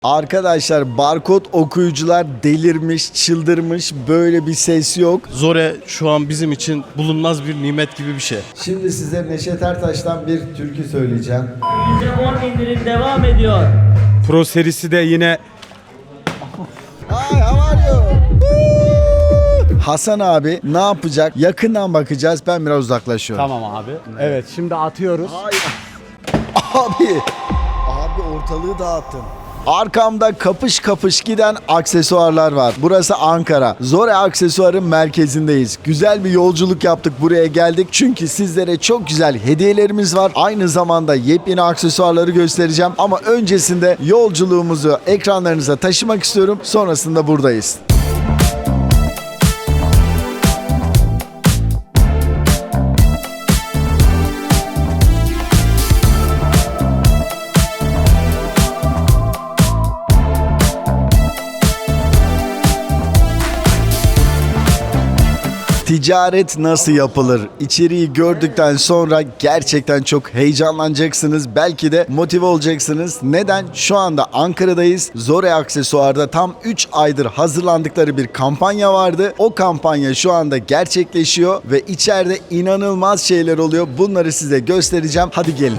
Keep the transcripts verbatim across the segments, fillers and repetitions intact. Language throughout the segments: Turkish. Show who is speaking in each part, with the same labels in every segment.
Speaker 1: Arkadaşlar barkod okuyucular delirmiş, çıldırmış, böyle bir ses yok.
Speaker 2: Zore şu an bizim için bulunmaz bir nimet gibi bir şey.
Speaker 1: Şimdi size Neşet Ertaş'tan bir türkü söyleyeceğim.
Speaker 3: yüzde on indirim devam ediyor.
Speaker 4: Pro serisi de yine
Speaker 1: Hi, how are you? Hasan abi ne yapacak? Yakından bakacağız. Ben biraz uzaklaşıyorum.
Speaker 4: tamam abi. Evet şimdi atıyoruz.
Speaker 1: Abi, abi ortalığı dağıttın. Arkamda kapış kapış giden aksesuarlar var. Burası Ankara. Zore Aksesuar'ın merkezindeyiz. Güzel bir yolculuk yaptık, buraya geldik. Çünkü sizlere çok güzel hediyelerimiz var. Aynı zamanda yepyeni aksesuarları göstereceğim. Ama öncesinde yolculuğumuzu ekranlarınıza taşımak istiyorum. Sonrasında buradayız. Ticaret nasıl yapılır? İçeriği gördükten sonra gerçekten çok heyecanlanacaksınız. Belki de motive olacaksınız. Neden? Şu anda Ankara'dayız. Zore Aksesuar'da tam üç aydır hazırlandıkları bir kampanya vardı. O kampanya şu anda gerçekleşiyor ve içeride inanılmaz şeyler oluyor. Bunları size göstereceğim. Hadi gelin.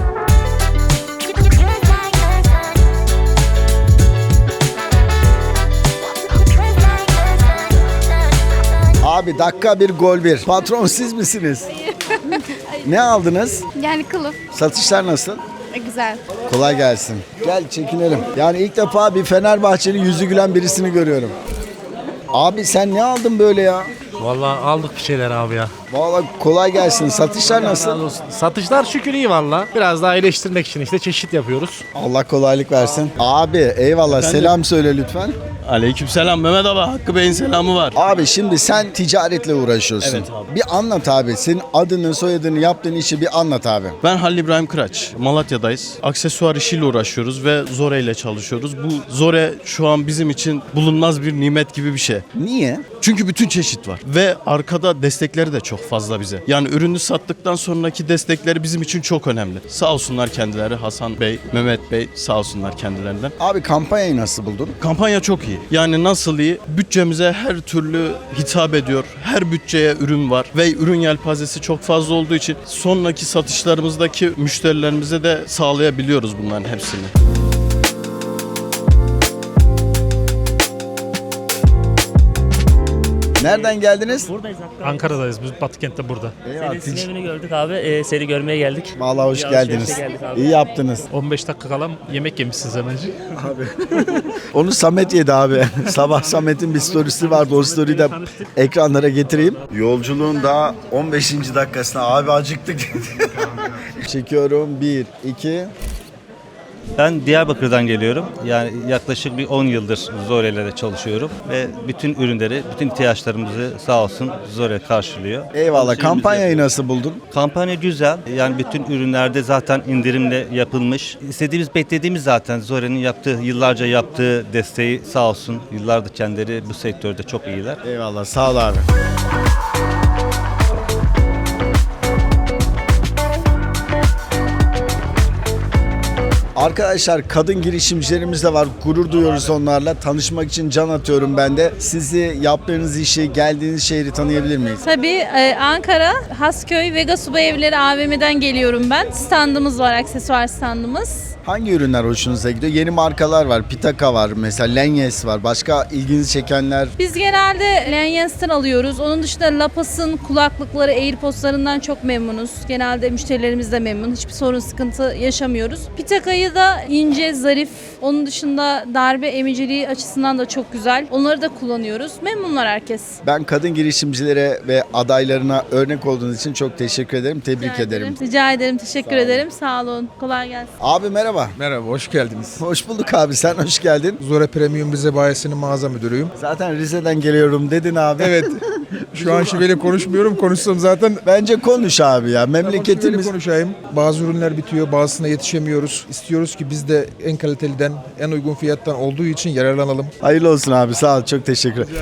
Speaker 1: Abi dakika bir gol bir. Patron siz misiniz? Ne aldınız?
Speaker 5: Yani kılıf.
Speaker 1: Satışlar nasıl?
Speaker 5: E, güzel.
Speaker 1: Kolay gelsin. Gel çekinelim. Yani ilk defa bir Fenerbahçeli yüzü gülen birisini görüyorum. Abi sen ne aldın böyle ya?
Speaker 6: Vallahi aldık bir şeyler abi ya.
Speaker 1: Vallahi kolay gelsin. Satışlar nasıl?
Speaker 6: Satışlar şükür iyi valla. Biraz daha iyileştirmek için işte çeşit yapıyoruz.
Speaker 1: Allah kolaylık versin. Abi eyvallah, selam söyle lütfen.
Speaker 2: Aleykümselam Mehmet abi, Hakkı Bey'in selamı var.
Speaker 1: Abi şimdi sen ticaretle uğraşıyorsun.
Speaker 2: Evet abi.
Speaker 1: Bir anlat abi. Senin adını, soyadını, yaptığın işi bir anlat abi.
Speaker 2: Ben Halil İbrahim Kıraç. Malatya'dayız. Aksesuar işiyle uğraşıyoruz ve Zore ile çalışıyoruz. Bu Zore şu an bizim için bulunmaz bir nimet gibi bir şey.
Speaker 1: Niye?
Speaker 2: Çünkü bütün çeşit var ve arkada destekleri de çok fazla bize. Yani ürünü sattıktan sonraki destekleri bizim için çok önemli. Sağ olsunlar kendileri, Hasan Bey, Mehmet Bey, sağ olsunlar kendilerinden.
Speaker 1: Abi kampanyayı nasıl buldun?
Speaker 2: Kampanya çok iyi. Yani nasıl iyi? Bütçemize her türlü hitap ediyor. Her bütçeye ürün var ve ürün yelpazesi çok fazla olduğu için sonraki satışlarımızdaki müşterilerimize de sağlayabiliyoruz bunların hepsini.
Speaker 1: Nereden geldiniz?
Speaker 3: Buradayız hatta.
Speaker 6: Ankara'dayız biz, Batıkent'te burada.
Speaker 3: Senin sinemini gördük abi. Ee, seni görmeye geldik.
Speaker 1: Vallahi hoş
Speaker 3: Bir
Speaker 1: geldiniz.
Speaker 3: alışverişe geldik abi.
Speaker 1: İyi yaptınız.
Speaker 6: on beş dakika kalan yemek yemişsiniz hemencik.
Speaker 1: Onu Samet yedi abi. Sabah Samet'in bir storiesi vardı. O story'i de ekranlara getireyim. Yolculuğun daha on beşinci dakikasına abi acıktık. Çekiyorum. bir, iki.
Speaker 7: Ben Diyarbakır'dan geliyorum. Yani yaklaşık bir on yıldır Zore'yle çalışıyorum ve bütün ürünleri, bütün ihtiyaçlarımızı sağ olsun Zore karşılıyor.
Speaker 1: Eyvallah. Kampanyayı nasıl buldun?
Speaker 7: Kampanya güzel. Yani bütün ürünlerde zaten indirimle yapılmış. İstediğimiz, beklediğimiz zaten Zore'nin yaptığı, yıllarca yaptığı desteği sağ olsun. Yıllardır kendileri bu sektörde çok iyiler.
Speaker 1: Eyvallah. Sağ ol abi. Arkadaşlar kadın girişimcilerimiz de var. Gurur duyuyoruz onlarla. Tanışmak için can atıyorum ben de. Sizi, yaptığınız işi, geldiğiniz şehri tanıyabilir miyiz?
Speaker 5: Tabii e, Ankara, Hasköy, Vega Subay Evleri A V M'den geliyorum ben. Standımız var, aksesuar standımız.
Speaker 1: Hangi ürünler hoşunuza gidiyor? Yeni markalar var. Pitaka var mesela. Lenyes var. Başka ilginizi çekenler?
Speaker 5: Biz genelde Lanyens'ten alıyoruz. Onun dışında Lapas'ın kulaklıkları, AirPods'larından çok memnunuz. Genelde müşterilerimiz de memnun. Hiçbir sorun, sıkıntı yaşamıyoruz. Pitaka'yı da ince, zarif. Onun dışında darbe emiciliği açısından da çok güzel. Onları da kullanıyoruz. Memnunlar herkes.
Speaker 1: Ben kadın girişimcilere ve adaylarına örnek olduğunuz için çok teşekkür ederim. Tebrik
Speaker 5: Rica
Speaker 1: ederim.
Speaker 5: Rica ederim. Teşekkür ederim. Sağ olun. Kolay gelsin.
Speaker 1: Abi merhaba.
Speaker 8: Merhaba, hoş geldiniz.
Speaker 1: Hoş bulduk abi. Sen hoş geldin.
Speaker 8: Zore Premium Rize Bayisi'nin mağaza müdürüyüm.
Speaker 1: Zaten Rize'den geliyorum dedin abi.
Speaker 8: Evet, şu an şiveli konuşmuyorum. Konuşsam zaten
Speaker 1: Bence konuş abi ya.
Speaker 8: şiveli
Speaker 1: Memleketimiz...
Speaker 8: konuşayım. Bazı ürünler bitiyor, bazısına yetişemiyoruz. İstiyoruz ki biz de en kaliteliden, en uygun fiyattan olduğu için yararlanalım.
Speaker 1: Hayırlı olsun abi. Sağ ol. Çok teşekkür ederim.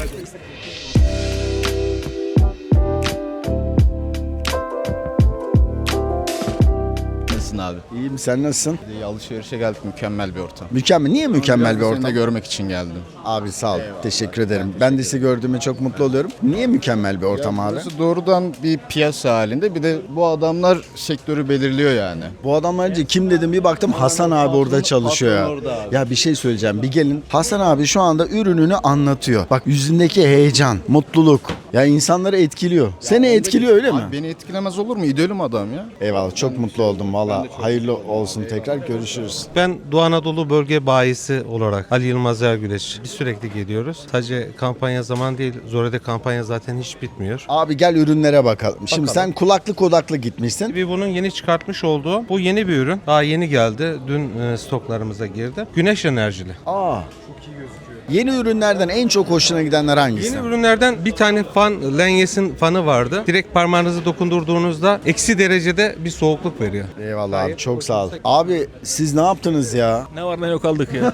Speaker 9: Nasılsın abi?
Speaker 1: İyiyim, sen nasılsın?
Speaker 9: İyi, alışverişe geldik, mükemmel bir ortam.
Speaker 1: Mükemmel. Niye mükemmel bir
Speaker 9: Seni
Speaker 1: ortam?
Speaker 9: de görmek için geldim.
Speaker 1: Abi sağ ol. Teşekkür ederim. Ben de sizi gördüğüme çok mutlu oluyorum. Niye mükemmel bir ortam abi?
Speaker 9: Burası doğrudan bir piyasa halinde, bir de bu adamlar sektörü belirliyor yani.
Speaker 1: Bu adamlar önce kim dedim, bir baktım Hasan abi orada çalışıyor ya. Ya bir şey söyleyeceğim. Bir gelin. Hasan abi şu anda ürününü anlatıyor. Bak yüzündeki heyecan, mutluluk. Ya insanları etkiliyor. Seni etkiliyor öyle mi?
Speaker 9: Abi beni etkilemez olur mu? İdolüm adam ya.
Speaker 1: Eyvallah, çok mutlu oldum valla. Hayırlı olsun tekrar, görüşürüz.
Speaker 10: Ben Doğu Anadolu Bölge Bayisi olarak Ali Yılmaz Ergüleç. Biz sürekli geliyoruz. Sadece kampanya zaman değil, Zore'de kampanya zaten hiç bitmiyor.
Speaker 1: Abi gel ürünlere bakalım. Şimdi
Speaker 10: Bakalım.
Speaker 1: sen kulaklık odaklı gitmişsin.
Speaker 10: Bir bunun yeni çıkartmış olduğu, bu yeni bir ürün. Daha yeni geldi. Dün e, stoklarımıza girdi. Güneş enerjili.
Speaker 1: Aa. Yeni ürünlerden en çok hoşuna gidenler hangisi?
Speaker 10: Yeni ürünlerden bir tane fan, Lanyes'in fanı vardı. Direkt parmağınızı dokundurduğunuzda eksi derecede bir soğukluk veriyor.
Speaker 1: Eyvallah abi, çok sağ ol. Abi siz ne yaptınız ya?
Speaker 11: Ne var ne yok aldık ya.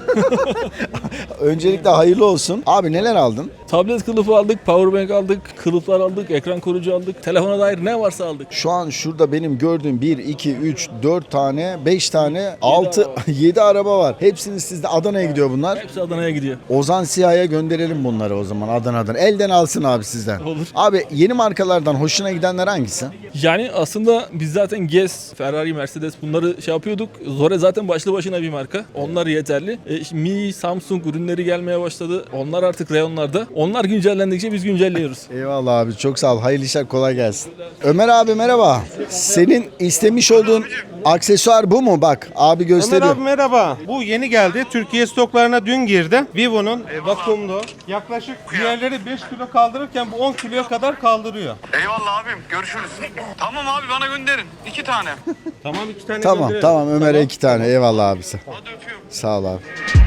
Speaker 1: Öncelikle hayırlı olsun. Abi neler aldın?
Speaker 11: Tablet kılıfı aldık, powerbank aldık, kılıflar aldık, ekran koruyucu aldık. Telefona dair ne varsa aldık.
Speaker 1: Şu an şurada benim gördüğüm bir, iki, üç, dört tane, beş tane, altı, yedi araba var. Hepsini sizde Adana'ya gidiyor bunlar.
Speaker 11: Hepsi Adana'ya gidiyor.
Speaker 1: Ozan Siyah'a gönderelim bunları o zaman Adana'dan. Elden alsın abi sizden.
Speaker 11: Olur.
Speaker 1: Abi yeni markalardan hoşuna gidenler hangisi?
Speaker 11: Yani aslında biz zaten Gez, Ferrari, Mercedes bunları şey yapıyorduk. Zore zaten başlı başına bir marka. Onlar yeterli. E, şimdi Mi, Samsung ürünleri gelmeye başladı. Onlar artık reyonlarda. Onlar güncellendikçe biz güncelliyoruz.
Speaker 1: Eyvallah abi, çok sağ ol. Hayırlı işler, kolay gelsin. Ömer abi merhaba. Senin istemiş olduğun aksesuar bu mu? Bak abi gösteriyor.
Speaker 10: Ömer abi merhaba. Bu yeni geldi. Türkiye stoklarına dün girdi. Vivo'nun e, vakumlu. Yaklaşık diğerleri beş kilo kaldırırken bu on kiloya kadar kaldırıyor.
Speaker 12: Eyvallah abim, görüşürüz. Tamam abi, bana gönderin. İki tane.
Speaker 10: Tamam iki tane
Speaker 1: Tamam
Speaker 10: gönderelim.
Speaker 1: tamam Ömer'e iki tane. Eyvallah abisi.
Speaker 12: Hadi öpüyorum.
Speaker 1: Sağ ol abi.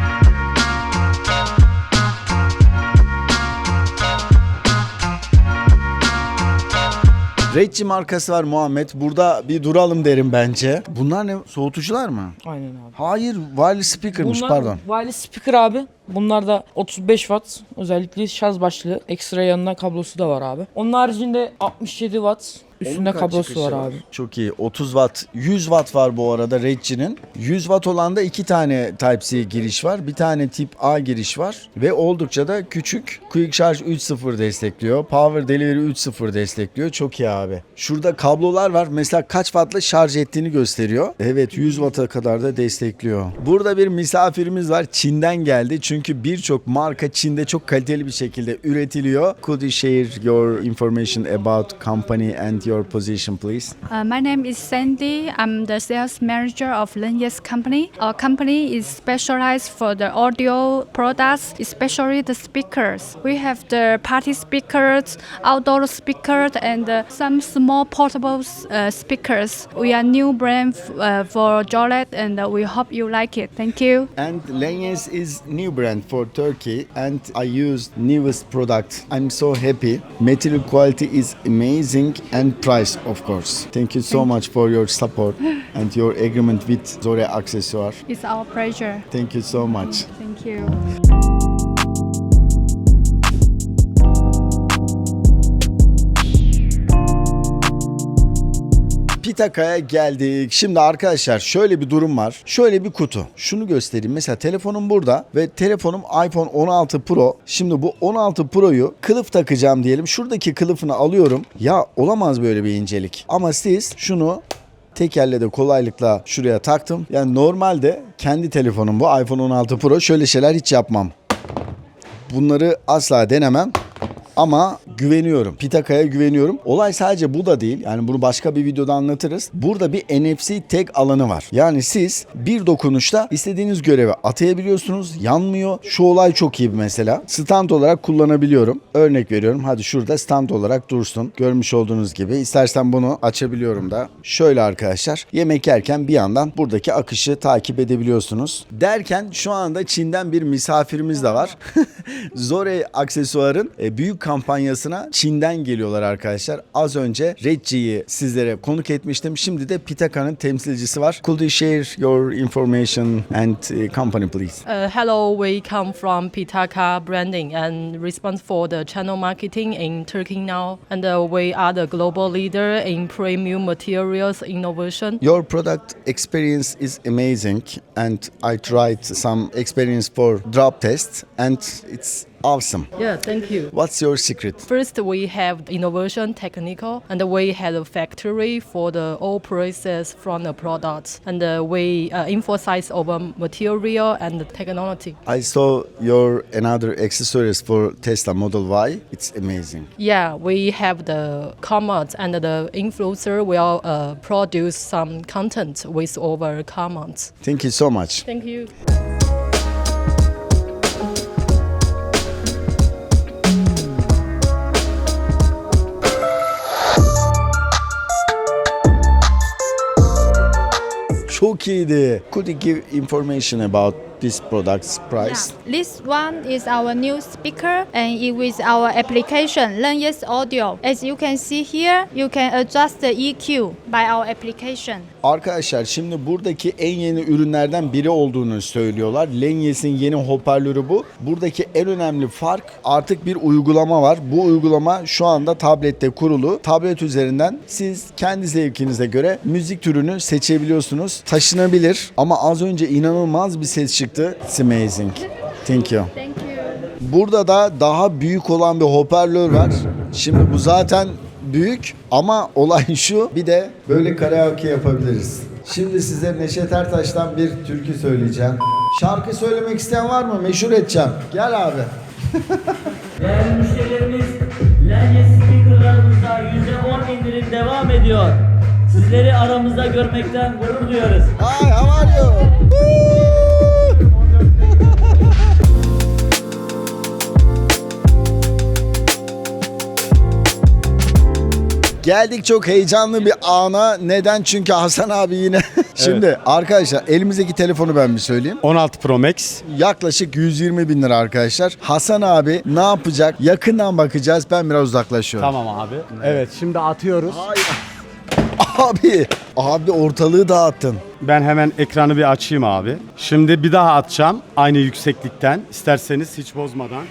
Speaker 1: Redci markası var Muhammed. Burada bir duralım derim bence. Bunlar ne? Soğutucular mı?
Speaker 13: Aynen abi.
Speaker 1: Hayır, wireless speaker'mış,
Speaker 13: Bunlar
Speaker 1: pardon.
Speaker 13: wireless speaker abi. Bunlar da otuz beş watt özellikle şarj başlığı. Ekstra yanına kablosu da var abi. Onun haricinde altmış yedi watt üstünde
Speaker 1: Onun kaç
Speaker 13: kablosu
Speaker 1: çıkışı
Speaker 13: var abi.
Speaker 1: Çok iyi. otuz watt, yüz watt var bu arada Redci'nin. yüz watt olan da iki tane Type-C giriş var. Bir tane tip A giriş var. Ve oldukça da küçük. Quick Charge üç nokta sıfır destekliyor. Power Delivery üç nokta sıfır destekliyor. Çok iyi abi. Şurada kablolar var. Mesela kaç wattla şarj ettiğini gösteriyor. Evet, yüz watt'a kadar da destekliyor. Burada bir misafirimiz var. Çin'den geldi. Çünkü birçok marka Çin'de çok kaliteli bir şekilde üretiliyor. Could you share your information about company and your position, please?
Speaker 14: Uh, my name is Sandy. I'm the sales manager of Lanyes Company. Our company is specialized for the audio products, especially the speakers. We have the party speakers, outdoor speakers, and uh, some small portable uh, speakers. We are new brand f- uh, for Jolet, and uh, we hope you like it. Thank you.
Speaker 1: And Lanyes is new brand for Turkey and I used newest product. I'm so happy. Material quality is amazing and price of course. Thank you so much for your support and your agreement with Zore Accessoire.
Speaker 14: It's our pleasure.
Speaker 1: Thank you so much.
Speaker 14: Thank you.
Speaker 1: Pitaka'ya geldik. Şimdi arkadaşlar şöyle bir durum var. Şöyle bir kutu. Şunu göstereyim. Mesela telefonum burada ve telefonum iPhone on altı Pro. Şimdi bu on altı Pro'yu kılıf takacağım diyelim. Şuradaki kılıfını alıyorum. Ya olamaz böyle bir incelik. Ama siz şunu tek elle de kolaylıkla şuraya taktım. Yani normalde kendi telefonum bu iPhone on altı Pro. Şöyle şeyler hiç yapmam. Bunları asla denemem. Ama güveniyorum. Pitaka'ya güveniyorum. Olay sadece bu da değil. Yani bunu başka bir videoda anlatırız. Burada bir N F C tag alanı var. Yani siz bir dokunuşta istediğiniz görevi atayabiliyorsunuz. Yanmıyor. Şu olay çok iyi mesela. Stand olarak kullanabiliyorum. Örnek veriyorum. Hadi şurada stand olarak dursun. Görmüş olduğunuz gibi. İstersen bunu açabiliyorum da. Şöyle arkadaşlar. Yemek yerken bir yandan buradaki akışı takip edebiliyorsunuz. Derken şu anda Çin'den bir misafirimiz de var. Zore Aksesuar'ın büyük kampanyasına altına Çin'den geliyorlar arkadaşlar. Az önce Redji'yi sizlere konuk etmiştim. Şimdi de Pitaka'nın temsilcisi var. Could you share your information and uh, company please?
Speaker 15: Uh, hello, we come from Pitaka Branding and responsible for the channel marketing in Turkey now. And uh, we are the global leader in premium materials innovation.
Speaker 1: Your product experience is amazing and I tried some experience for drop test and it's awesome.
Speaker 15: Yeah, thank you.
Speaker 1: What's your secret?
Speaker 15: First, we have innovation technical, and we have a factory for the all process from the products, and uh, we uh, emphasize over material and technology.
Speaker 1: I saw your another accessories for Tesla Model Y. It's amazing.
Speaker 15: Yeah, we have the comments, and the influencer will uh, produce some content with our comments.
Speaker 1: Thank you so much.
Speaker 15: Thank you.
Speaker 1: Çok iyiydi. Could you give information about this product's price?
Speaker 16: Yeah. This one is our new speaker and it with our application Lenyes Audio. As you can see here, you can adjust the E Q by our application.
Speaker 1: Arkadaşlar şimdi buradaki en yeni ürünlerden biri olduğunu söylüyorlar. Lenyes'in yeni hoparlörü bu. Buradaki en önemli fark artık bir uygulama var. Bu uygulama şu anda tablette kurulu. Tablet üzerinden siz kendi zevkinize göre müzik türünü seçebiliyorsunuz. Taşınabilir ama az önce inanılmaz bir ses çıktı. It's amazing. Thank you.
Speaker 16: Thank you.
Speaker 1: Burada da daha büyük olan bir hoparlör var. Şimdi bu zaten büyük ama olay şu, bir de böyle karaoke yapabiliriz. Şimdi size Neşet Ertaş'tan bir türkü söyleyeceğim. Şarkı söylemek isteyen var mı? Meşhur edeceğim. Gel abi.
Speaker 3: Değerli müşterilerimiz, Lenyes speakerlarımızda yüzde on indirim devam ediyor. Sizleri aramızda görmekten gurur duyuyoruz.
Speaker 1: Hi, how are you? Geldik çok heyecanlı bir ana. Neden? Çünkü Hasan abi yine. Şimdi evet. Arkadaşlar elimizdeki telefonu ben bir söyleyeyim.
Speaker 4: on altı Pro Max.
Speaker 1: Yaklaşık yüz yirmi bin lira arkadaşlar. Hasan abi ne yapacak? Yakından bakacağız. Ben biraz uzaklaşıyorum.
Speaker 4: Tamam abi. Evet şimdi atıyoruz.
Speaker 1: Hayır. Abi, abi ortalığı dağıttın.
Speaker 4: Ben hemen ekranı bir açayım abi. Şimdi bir daha atacağım. Aynı yükseklikten. İsterseniz hiç bozmadan.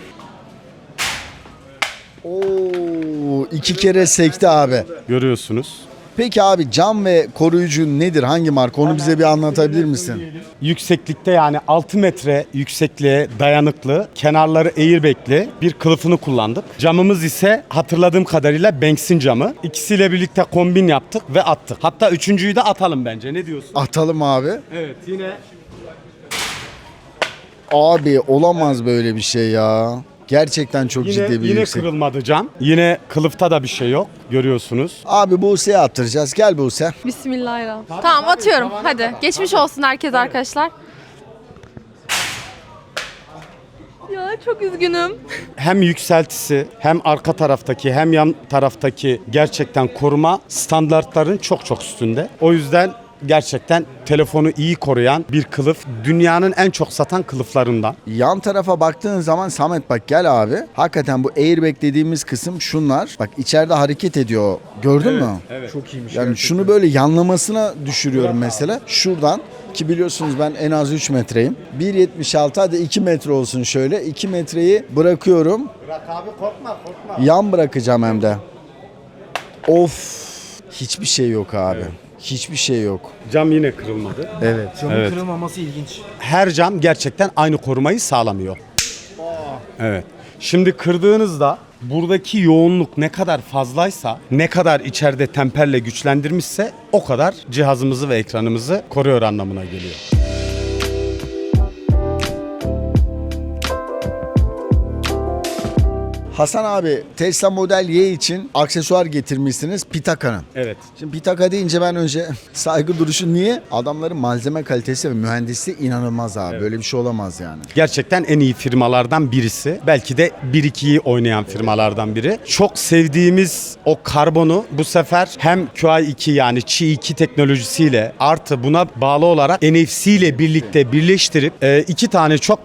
Speaker 1: Oo, iki kere sekti abi.
Speaker 4: Görüyorsunuz.
Speaker 1: Peki abi cam ve koruyucu nedir? Hangi marka? Onu bize bir anlatabilir misin?
Speaker 4: Yükseklikte yani altı metre yüksekliğe dayanıklı, kenarları airbag'li bir kılıfını kullandık. Camımız ise hatırladığım kadarıyla Banks'in camı. İkisiyle birlikte kombin yaptık ve attık. Hatta üçüncüyü de atalım bence. Ne diyorsun?
Speaker 1: Atalım abi.
Speaker 4: Evet yine.
Speaker 1: Abi olamaz böyle bir şey ya. Gerçekten çok
Speaker 4: yine,
Speaker 1: ciddi bir
Speaker 4: yine
Speaker 1: yüksek.
Speaker 4: Yine kırılmadı cam. Yine kılıfta da bir şey yok. Görüyorsunuz.
Speaker 1: Abi Buse'ye attıracağız. Gel Buse.
Speaker 17: Bismillahirrahmanirrahim. Tamam, tamam atıyorum. Hadi. Kadar. Geçmiş olsun herkes arkadaşlar. Ya çok üzgünüm.
Speaker 4: Hem yükseltisi hem arka taraftaki hem yan taraftaki gerçekten koruma standartların çok çok üstünde. O yüzden gerçekten telefonu iyi koruyan bir kılıf. Dünyanın en çok satan kılıflarından.
Speaker 1: Yan tarafa baktığın zaman Samet bak gel abi. Hakikaten bu airbag dediğimiz kısım şunlar. Bak içeride hareket ediyor. Gördün
Speaker 4: evet,
Speaker 1: mü?
Speaker 4: Evet. Çok iyiymiş.
Speaker 1: Yani
Speaker 4: gerçekten.
Speaker 1: şunu böyle yanlamasına düşürüyorum mesela. Şuradan ki biliyorsunuz ben en az üç metreyim. bir yetmiş altı hadi iki metre olsun şöyle. iki metreyi bırakıyorum.
Speaker 4: Bırak abi korkma korkma.
Speaker 1: Yan bırakacağım hem de. Of. Hiçbir şey yok abi. Evet. Hiçbir şey yok.
Speaker 4: Cam yine kırılmadı.
Speaker 1: Evet.
Speaker 6: Camın
Speaker 4: evet.
Speaker 6: kırılmaması ilginç.
Speaker 4: Her cam gerçekten aynı korumayı sağlamıyor. Oh. Evet. Şimdi kırdığınızda buradaki yoğunluk ne kadar fazlaysa, ne kadar içeride temperle güçlendirmişse o kadar cihazımızı ve ekranımızı koruyor anlamına geliyor.
Speaker 1: Hasan abi Tesla Model Y için aksesuar getirmişsiniz Pitaka'nın.
Speaker 4: Evet.
Speaker 1: Şimdi Pitaka deyince ben önce saygı duruşu niye? Adamların malzeme kalitesi ve mühendisliği inanılmaz abi. Evet. Böyle bir şey olamaz yani.
Speaker 4: Gerçekten en iyi firmalardan birisi. Belki de bir ikiyi oynayan firmalardan biri. Çok sevdiğimiz o karbonu bu sefer hem Q I iki yani Qi iki teknolojisiyle artı buna bağlı olarak N F C ile birlikte birleştirip iki tane çok güzel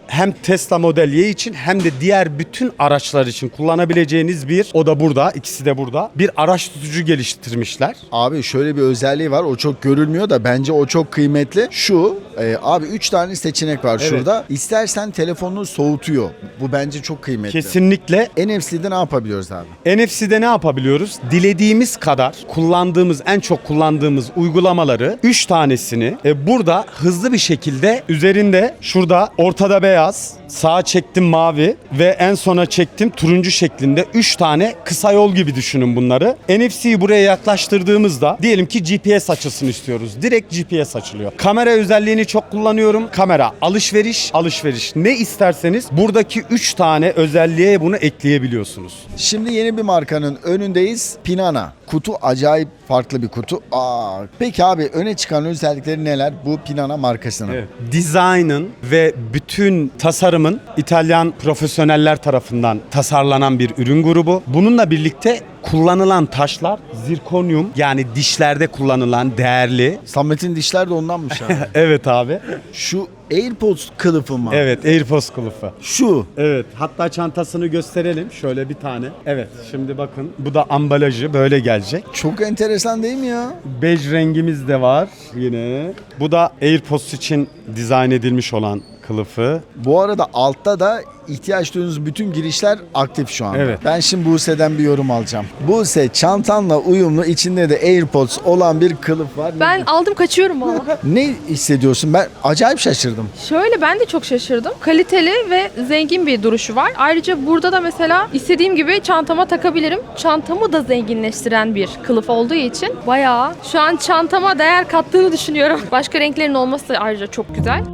Speaker 4: hem Tesla Model Y için hem de diğer bütün araçlar için kullanabileceğiniz bir, o da burada, ikisi de burada, bir araç tutucu geliştirmişler.
Speaker 1: Abi şöyle bir özelliği var. O çok görülmüyor da bence o çok kıymetli. Şu e, abi üç tane seçenek var
Speaker 4: Evet.
Speaker 1: şurada. İstersen telefonunu soğutuyor. Bu bence çok kıymetli.
Speaker 4: Kesinlikle.
Speaker 1: N F C'de ne yapabiliyoruz abi?
Speaker 4: N F C'de ne yapabiliyoruz? Dilediğimiz kadar kullandığımız, en çok kullandığımız uygulamaları üç tanesini e, burada hızlı bir şekilde üzerinde, şurada ortada beyaz, sağa çektim mavi ve en sona çektim turuncu şeklinde üç tane kısa yol gibi düşünün bunları. N F C'yi buraya yaklaştırdığımızda diyelim ki G P S açılsın istiyoruz. Direkt G P S açılıyor. Kamera özelliğini çok kullanıyorum. Kamera, alışveriş, alışveriş. Ne isterseniz buradaki üç tane özelliğe bunu ekleyebiliyorsunuz.
Speaker 1: Şimdi yeni bir markanın önündeyiz. Pinana. Kutu acayip farklı bir kutu. Aa, peki abi öne çıkan özellikleri neler bu Pinana markasının?
Speaker 4: Evet. Dizaynın ve bütün tasarımın İtalyan profesyoneller tarafından tasarlanan bir ürün grubu. Bununla birlikte kullanılan taşlar zirkonyum, yani dişlerde kullanılan değerli.
Speaker 1: Samet'in dişler de ondanmış abi.
Speaker 4: Evet abi.
Speaker 1: Şu AirPods kılıfı mı?
Speaker 4: Evet, AirPods kılıfı.
Speaker 1: Şu.
Speaker 4: Evet, hatta çantasını gösterelim. Şöyle bir tane. Evet, şimdi bakın. Bu da ambalajı böyle gelecek.
Speaker 1: Çok enteresan değil mi ya?
Speaker 4: Bej rengimiz de var yine. Bu da AirPods için dizayn edilmiş olan kılıfı.
Speaker 1: Bu arada altta da ihtiyaç duyduğunuz bütün girişler aktif şu anda.
Speaker 4: Evet.
Speaker 1: Ben şimdi Buse'den bir yorum alacağım. Buse, çantanla uyumlu, içinde de AirPods olan bir kılıf var.
Speaker 17: Ben aldım kaçıyorum valla.
Speaker 1: Ne hissediyorsun? Ben acayip şaşırdım.
Speaker 17: Şöyle ben de çok şaşırdım. Kaliteli ve zengin bir duruşu var. Ayrıca burada da mesela istediğim gibi çantama takabilirim. Çantamı da zenginleştiren bir kılıf olduğu için bayağı şu an çantama değer kattığını düşünüyorum. Başka renklerin olması da ayrıca çok güzel.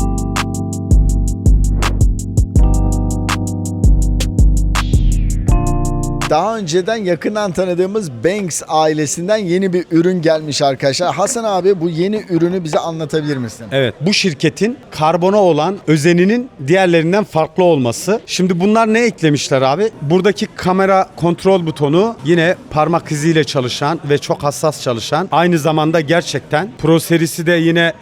Speaker 1: Daha önceden yakından tanıdığımız Banks ailesinden yeni bir ürün gelmiş arkadaşlar. Hasan abi bu yeni ürünü bize anlatabilir misin?
Speaker 4: Evet, bu şirketin karbona olan özeninin diğerlerinden farklı olması. Şimdi bunlar ne eklemişler abi? Buradaki kamera kontrol butonu yine parmak iziyle çalışan ve çok hassas çalışan. Aynı zamanda gerçekten Pro serisi de yine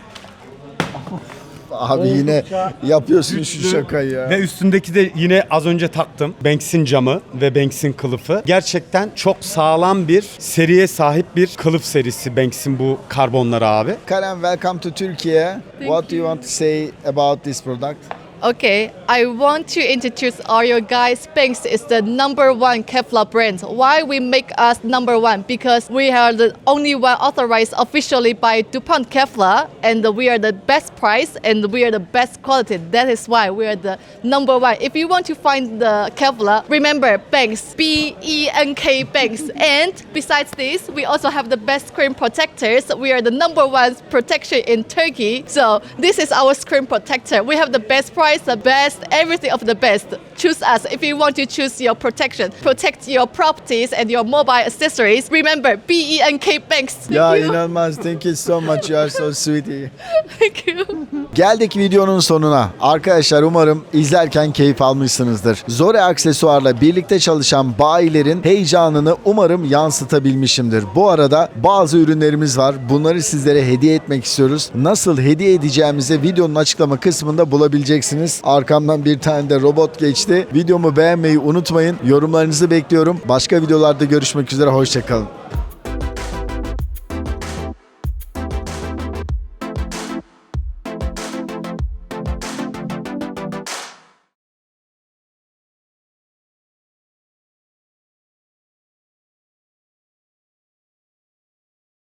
Speaker 1: Abi yine yapıyorsun şu şakayı ya.
Speaker 4: ve üstündeki de yine az önce taktım. Banks'in camı ve Banks'in kılıfı. Gerçekten çok sağlam bir seriye sahip bir kılıf serisi Banks'in bu karbonları abi.
Speaker 1: Karen, welcome to Turkey. What do you want to say about this product?
Speaker 18: Okay, I want to introduce all you guys. Banks is the number one Kevlar brand. Why we make us number one? Because we are the only one authorized officially by DuPont Kevlar, and we are the best price and we are the best quality. That is why we are the number one. If you want to find the Kevlar, remember Banks, B E N K Banks. And besides this, we also have the best screen protectors. We are the number one protection in Turkey. So this is our screen protector. We have the best price, the best, everything of the best. Choose us if you want to choose your protection. Protect your properties and your mobile accessories. Remember, B E N K Banks. Thank
Speaker 1: Ya
Speaker 18: you.
Speaker 1: inanılmaz. Thank you so much. You are so sweetie.
Speaker 18: Thank you.
Speaker 1: Geldik videonun sonuna. Arkadaşlar umarım izlerken keyif almışsınızdır. Zore Aksesuar'la birlikte çalışan bayilerin heyecanını umarım yansıtabilmişimdir. Bu arada bazı ürünlerimiz var. Bunları sizlere hediye etmek istiyoruz. Nasıl hediye edeceğimizi videonun açıklama kısmında bulabileceksiniz. Arkamdan bir tane de robot geçti. Videomu beğenmeyi unutmayın. Yorumlarınızı bekliyorum. Başka videolarda görüşmek üzere. Hoşçakalın.